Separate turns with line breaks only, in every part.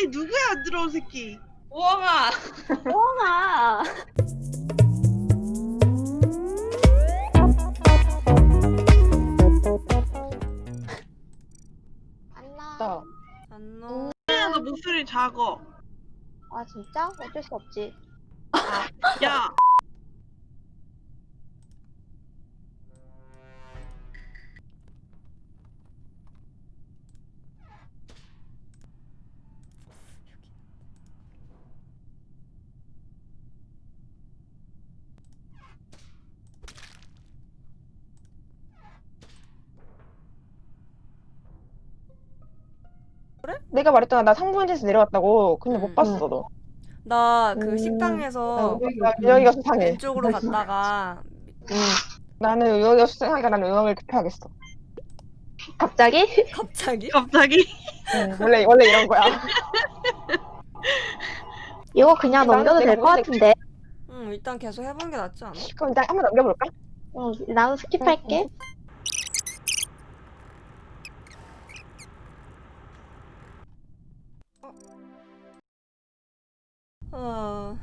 아니 누구야 안 들어온 새끼.
우엉아.
우엉아.
안녕.
안녕.
너 목소리 작어.
아 진짜? 어쩔 수 없지.
야.
내가 말했잖아. 나 상부인에서 내려왔다고. 근데 못 봤어, 너.
나 그 식당에서
여기가 수상해.
왼쪽으로 갔다가
나는 여기가 수상하니까 나는 응원을 투표하겠어.
갑자기?
갑자기?
갑자기?
원래 이런 거야.
이거 그냥 넘겨도 될 것 같은데.
일단 계속 해보는 게 낫지 않아?
그럼 일단 한번 넘겨볼까?
응, 나도 스킵할게.
어...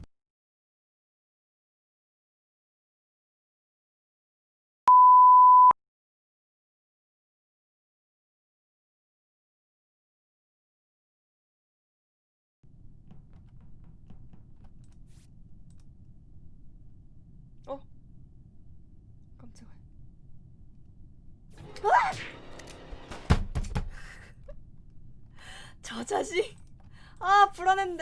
깜짝이야. 저 자식. 아, 불안했는데.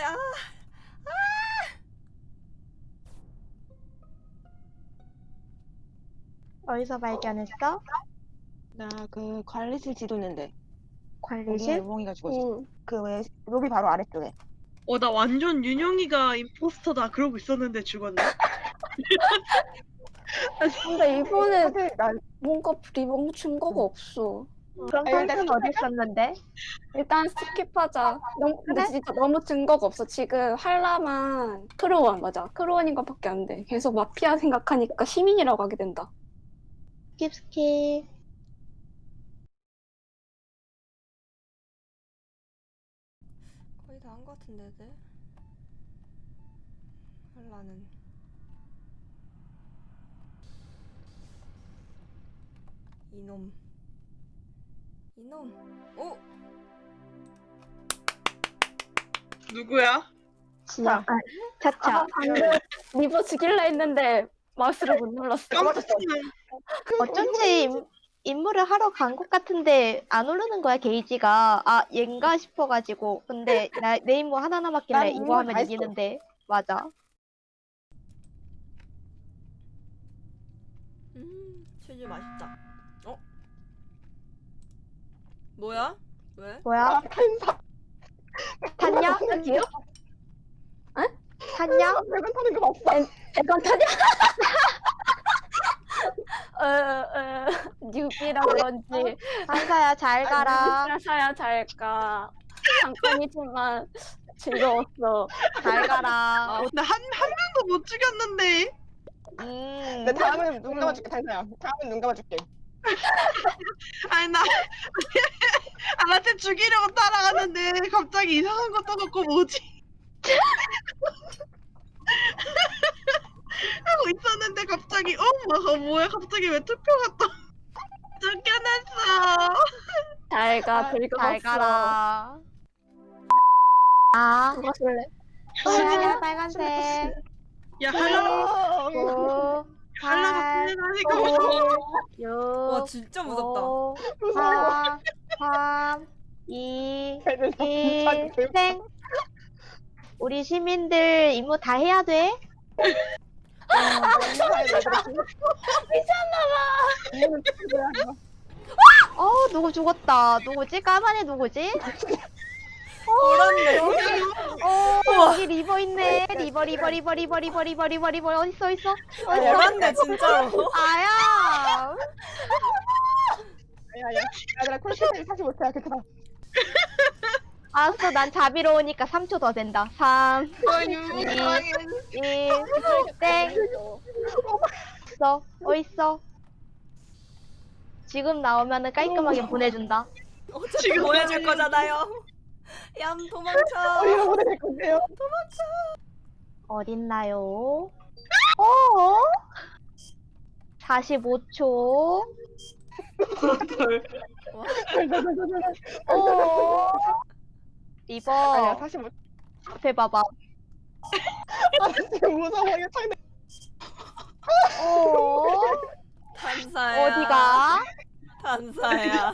어디서 발견했어?
나 그 관리실 지도는데.
관리실?
몽이가 죽었어. 그 왜 로비 바로 아래쪽에.
나 완전 윤영이가 임포스터다 그러고 있었는데 죽었네.
근데 이번에
사실 난
뭔가 리본 증거가 없어.
그럼 선수는 어디 있었는데?
일단 스킵하자. 근데 진짜 너무 증거가 없어. 지금 한라만 크루원 맞아. 크루원인 것밖에 안 돼. 계속 마피아 생각하니까 시민이라고 하게 된다.
스킵.
거의 다 한 것 같은데, 애들. 한라는. 이놈. 오!
누구야?
진짜. 차차.
방금 리버 죽일라 했는데 마우스를 못 눌렀어.
깜짝이야.
어쩐지 임무를 하러 간 것 같은데 안 오르는 거야 게이지가. 아 얘인가 싶어가지고. 근데 내 임무 하나 남았길래
난
이거
임무
하면
다 했어.
이기는데. 맞아.
치즈 맛있다. 뭐야? 왜?
뭐야? 탔냐?
기요?
탔냐?
내가 타는 거 봤어.
애건 타냐? 뉴비라 그런지
한사야 잘 가라.
사야 잘까. 잠깐이지만 즐거웠어.
잘 가라.
나 한 명도 못 죽였는데.
내 다음은 눈 감아줄게, 탄사야. 다음은 눈 감아줄게.
아니 나 쟤 죽이려고 따라가는데 갑자기 이상한 거 떠갖고 뭐지? 하고 있었는데 갑자기 뭐야 갑자기 왜 투표가 또 쫓겨났어.
잘가
잘
즐거웠어.
가라. 아,
그거 쓸래?
빨간색, 빨간색.
야 할라
9,
할라가
8,
풀려가니까
6,
와, 진짜 무섭다.
5, 4, 3, 2,
애들 다
1,
불쌍해.
땡. 우리 시민들 임무 다 해야 돼? 누구 죽었다. 누구지? 까만 애 누구지?
그렇네.
여기 리버 있네. 리버 어딨어?
그렇네, 진짜로.
아야.
야, 얘들아, 콜센터를 사지 못해. 괜찮아.
알았어, 난 자비로우니까 3초 더 된다. 3, 2, 1, 땡. 어딨어? 지금 나오면은 깔끔하게 보내준다.
어차피 보내줄 거잖아요. 얌 도망쳐.
이러고 될 건데요.
어딨나요? 45초. 리버
아니야 사실 뭐
앞에 봐봐.
지금 무서워 이거 창내.
탄사야.
어디가?
탄사야.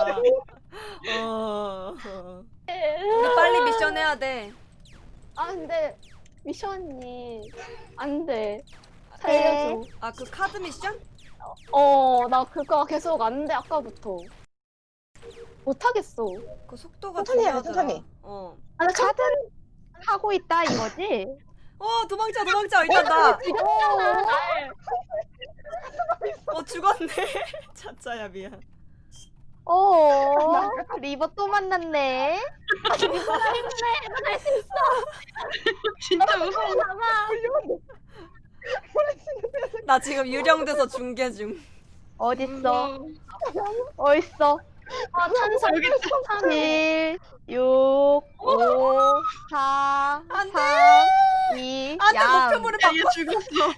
우리 빨리 미션 해야 돼.
아 근데 미션이 안 돼. 살려줘.
아 그 카드 미션?
나 그거 계속 안 돼 아까부터. 못하겠어.
그 속도가
천천히 해야 돼,
중요하더라.
천천히.
아, 나
카드 하고 있다 이거지?
도망쳐 일단 나.
죽였잖아 날.
죽었네. 차차야 미안.
리버 또 만났네.
할수 있어.
진짜 무서워.
봐봐.
나 지금 유령돼서 중계 중.
어딨어? 어딨어?
아 찬사.
7, 6, 5, 4,
안 돼.
3, 2,
안돼
양.
목표물을
야,
바꿔.
얘 죽었어.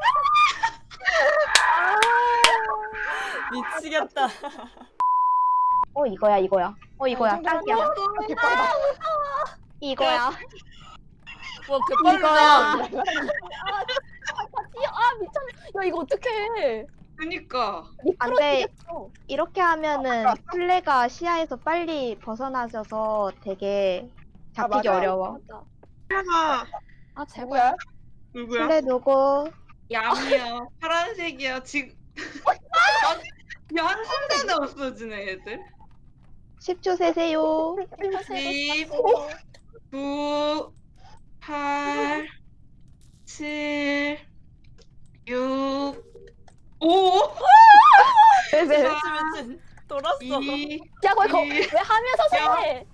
미치겠다.
이거야. 이거야. 딱이야.
개빠르다.
이거야.
뭐 개빨르다.
미쳤네. 야 이거 어떡해.
그니까.
안 돼.
미끄러지겠어.
이렇게 하면은 플레가 시야에서 빨리 벗어나셔서 되게 잡히기
맞아.
어려워.
맞아.
하나
아 제발.
뭐야?
누구야?
플레 누구?
얌이야 파란색이야 지금 야 한순간에 없어지네 얘들
10초 세세요.
10 9 8 7 6 5
미친. 돌았어.
2
야 이거
이-
왜 하면서 해?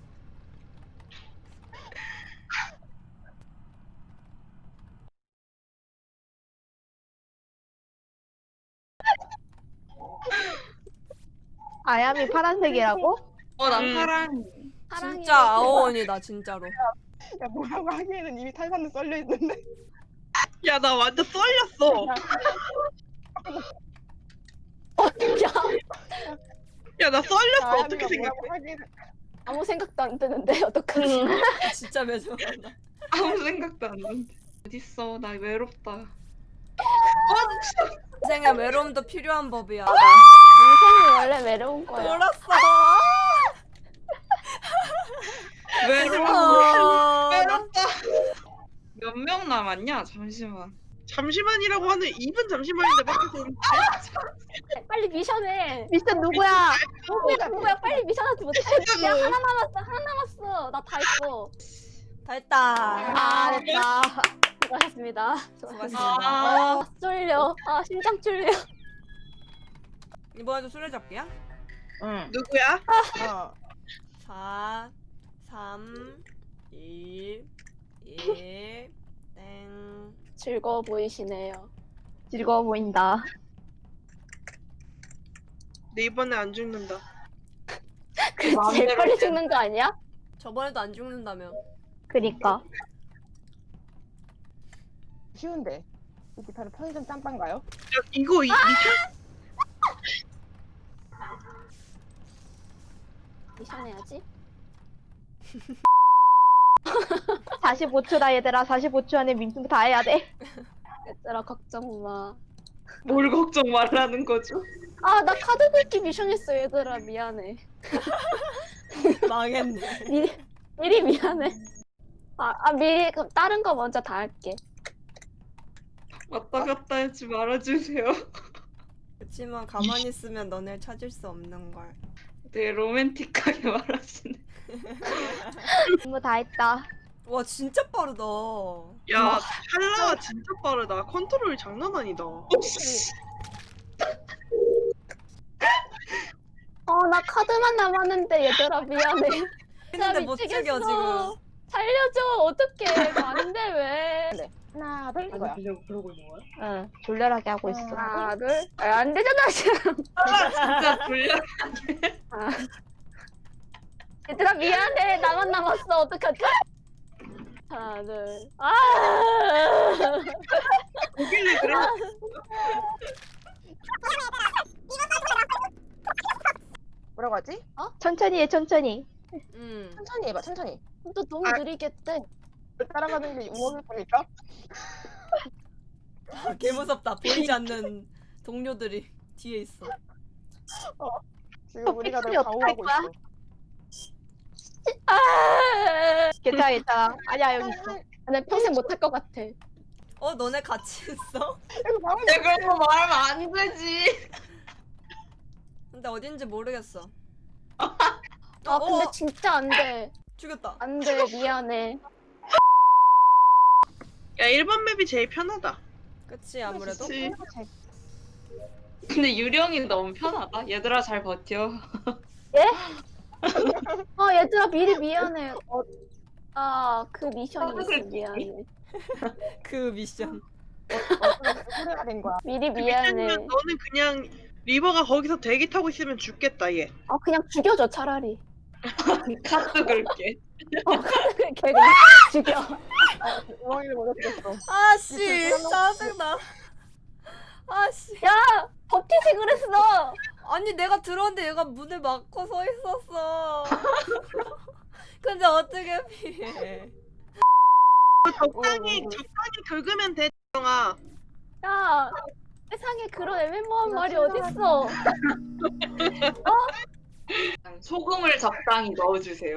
아야미 파란색이라고?
난 파란
사랑해.
진짜 아오원이다 진짜로.
야 뭐라고 하기에는 이미 탈산은 썰려 있는데.
야, 나 완전 썰렸어. 야, 나 썰렸어. 어떻게 생각해?
뭐라고 하기에는
아무 생각도 안 드는데 어떡하지?
진짜 매정하다.
아무 생각도 안 드는데 어딨어 나 외롭다
인생에 외로움도 필요한 법이야.
인생이 원래 외로운 거야.
돌았어.
외로워 외롭다 몇 명 남았냐 잠시만
잠시만이라고 하는 입은 잠시만인데 밖에서
빨리 미션해.
미션 누구야?
누구야? 빨리 미션 하지 못해. 야 하나 남았어. 나 다 했어.
다 했다.
됐다.
수고하셨습니다.
수고하셨습니다.
쫄려. 심장 쫄려.
이번에도 수레잡기야?
응.
누구야?
4 3 2 1 땡.
즐거워 보이시네요.
즐거워 보인다.
내 이번에 안 죽는다.
그 제일 빨리 죽는 거 아니야?
저번에도 안 죽는다며.
그니까.
쉬운데. 이 기타는 편의점 짬빵가요?
야, 이거 미션?
미션 해야지.
45초다 얘들아. 45초 안에 민증 다 해야 돼.
얘들아 걱정 마.
뭘 걱정 말라는 거죠
나 카드 긁기 미션 했어 얘들아 미안해.
망했네.
미리 미안해. 미리 그럼 다른 거 먼저 다 할게.
왔다 갔다 하지 말아주세요
그치만 가만히 있으면 너네 찾을 수 없는 걸.
되게 로맨틱하게 말하시네
전부 다 했다.
와 진짜 빠르다.
야, 찰나가 진짜 빠르다. 컨트롤이 장난 아니다.
나 카드만 남았는데 얘들아 미안해.
근데 못
미치겠어.
죽여 지금.
살려줘 어떡해. 안돼 왜?
하나 둘 이거야.
응. 졸렬하게 하고 있어.
하나 둘. 안 되잖아 지금.
진짜 불려
얘들아 미안해. 나만 남았어. 어떡하지? 하나 둘. 아.
보길래 그래.
뭐라고 하지?
천천히 해, 천천히.
천천히 해봐, 천천히.
또 너무 느리겠대.
따라가는 게 우엉일 거니까.
개 무섭다. 보이지 않는 동료들이 뒤에 있어.
지금 우리가
픽셀이
널
어떡할
방어하고
거야?
있어.
괜찮아, 괜찮아. 아니야, 여기 있어.
내 평생 못할 것 같아.
너네 같이 있어?
이거 방어
내가 그런 거 말하면 안 되지.
근데 어딘지 모르겠어.
아 근데 진짜 안 돼.
죽였다.
안 돼. 미안해.
야 1번 맵이 제일 편하다.
그치 아무래도.
그치. 근데 유령이 너무 편하다. 얘들아 잘 버텨.
아 얘들아 미리 미안해. 그 미션이 있어.
그래.
미안해.
그 미션.
소리가 된 거야.
미리
미쳤으면
미안해.
너는 그냥 리버가 거기서 대기 타고 있으면 죽겠다 얘.
아 그냥 죽여줘 차라리.
카드 긁게.
걔 그냥 죽여.
우엉이를 못 얻겠어.
아씨 짜증나. 아씨.
야 버티지 그랬어.
아니 내가 들어왔는데 얘가 문을 막고 서 있었어. 근데 어떻게 피해?
적당히 긁으면 돼 정아.
야 세상에 그런 애매모호한 말이 어딨어.
소금을 적당히 넣어주세요.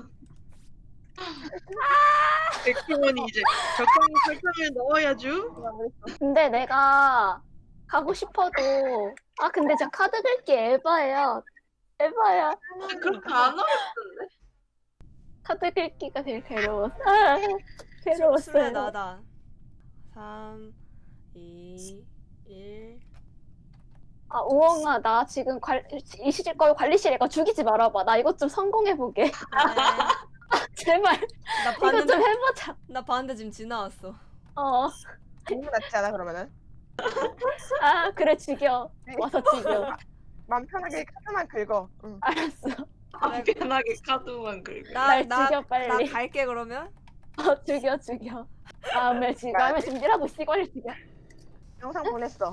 백종원이 이제 적당히 설탕을 넣어야죠.
근데 내가 가고 싶어도 근데 저 카드 긁기 에바야. 에바야.
그렇게 안 어렵던데.
카드 긁기가 제일 괴로웠어.
술래
괴로웠어요.
나다. 3, 2, 1.
우엉아 나 지금 이시질 거면 관리실에 가 죽이지 말아봐. 나 이것 좀 성공해보게. 제발
나
이것 좀
봤는데
해보자.
나 봤는데 지금 지나왔어.
너무 낫지 않아 그러면은?
그래 죽여. 와서 죽여.
맘 편하게 카드만 긁어. 응.
알았어.
편하게 카드만 긁게.
날 죽여, 빨리.
나 갈게 그러면.
죽여. 다음에 준비를 하고 있어. 이걸 죽여.
영상 보냈어.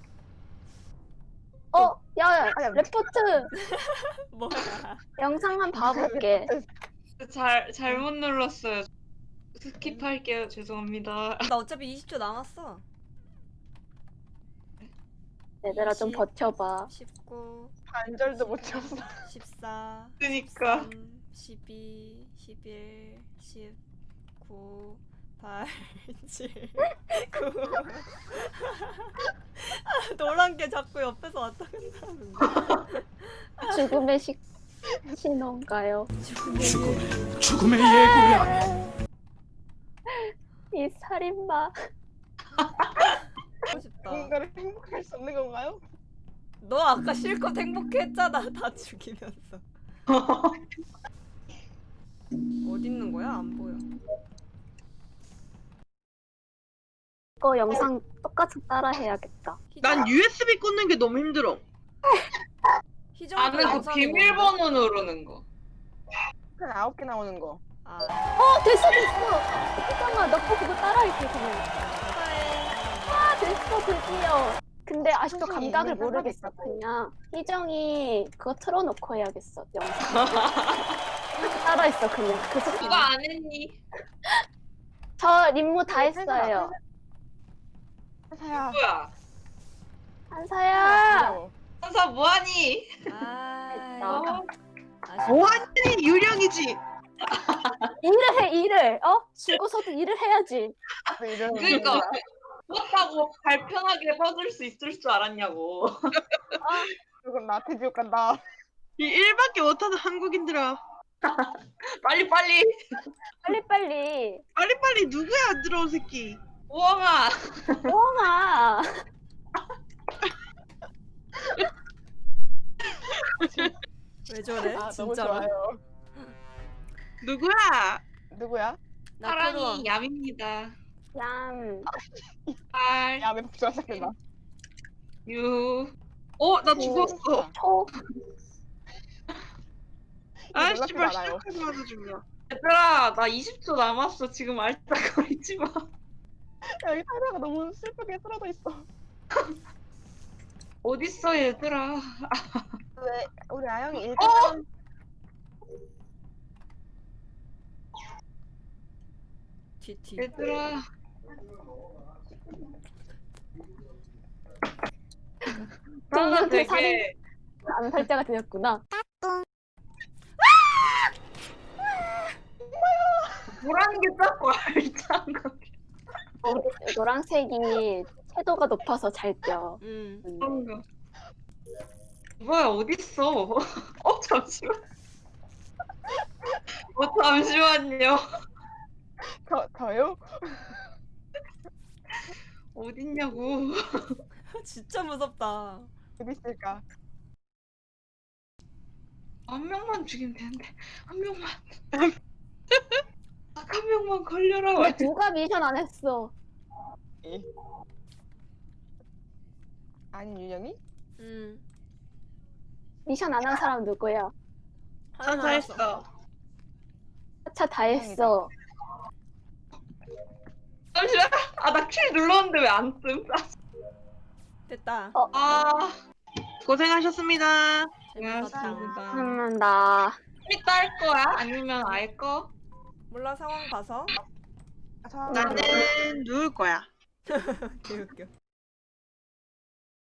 야
아니야.
레포트
뭐야?
영상 한 봐볼게.
잘못 눌렀어요. 스킵할게요. 죄송합니다.
나 어차피 20초 남았어.
얘들아 좀 버텨봐.
19,
반절도 못 쳤어.
14,
그니까.
13, 12, 11, 19, 8, 7, 9. 노란 게 자꾸 옆에서 왔다 갔다 하는데.
죽음의 신호인가요?
죽음의 예고야.
이 살인마.
하고 싶다.
누군가를 행복할 수 없는 건가요?
너 아까 실컷 행복했잖아. 다 죽이면서. 어디 있는 거야? 안 보여.
이거 영상 똑같이 따라 해야겠다.
난 USB 꽂는 게 너무 힘들어.
희정이
나는 그
영상이
비밀번호 누르는 거.
한 9개 나오는 거.
됐어. 희정아 너 그거 따라할게 그냥. 됐어 드디어. 근데 아직도
선생님,
감각을
이걸
모르겠어.
깜빡했다고.
그냥 희정이 그거 틀어놓고 해야겠어 영상. 따라했어 그냥. 그 스킨.
누가 안 했니?
저 임무 다 했어요.
한사야.
누구야?
한사야.
한사 뭐하니?
아.
뭐하니 유령이지.
일을. 죽어서도 일을 해야지.
그러니까 그렇다고 발편하게 뻗을 수 있을 줄 알았냐고.
그건 나한테 지옥 간다.
이 일밖에 못하는 한국인들아.
빨리
빨리빨리 누구야 안 들어온 새끼.
우엉아.
우엉아.
왜 저래?
너무
진짜로?
좋아요. 누구야?
나
사랑이
크루아.
얌입니다.
얌.
8,
야, 왜 복수가 시작된다.
6.
나 죽었어.
초.
아
놀랍게
씨발
많아요.
시작하자마자 중이야.
얘들아 나 20초 남았어. 지금 알짝거리지 마.
여기 타이라가 너무 슬프게 쓰러져 있어.
어딨어 얘들아.
왜 우리 아영이 일등
TT.
얘들아. 나가
동료한테
되게
암살자가 되었구나.
뭐라는 게 자꾸 알짱 거리.
노란색이 채도가 높아서 잘 뛰어.
그런가. 뭐야 어딨어? 잠시만. 잠시만요.
저요?
어딨냐고.
진짜 무섭다.
어디 있을까?
한 명만 죽이면 되는데 한 명만. 한 명만 걸려라.
왜 누가 미션 안 했어?
아니 윤영이?
미션 안 한 사람 누구야?
하나
다
남았어.
했어.
하차 다 했어.
잠시만. 나 킬 눌렀는데 왜 안 뜸?
됐다.
아.
고생하셨습니다.
재밌었다.
나
이따 할 거야? 아니면 알 거?
몰라 상황 봐서.
저
나는 누울 거야.
개웃겨.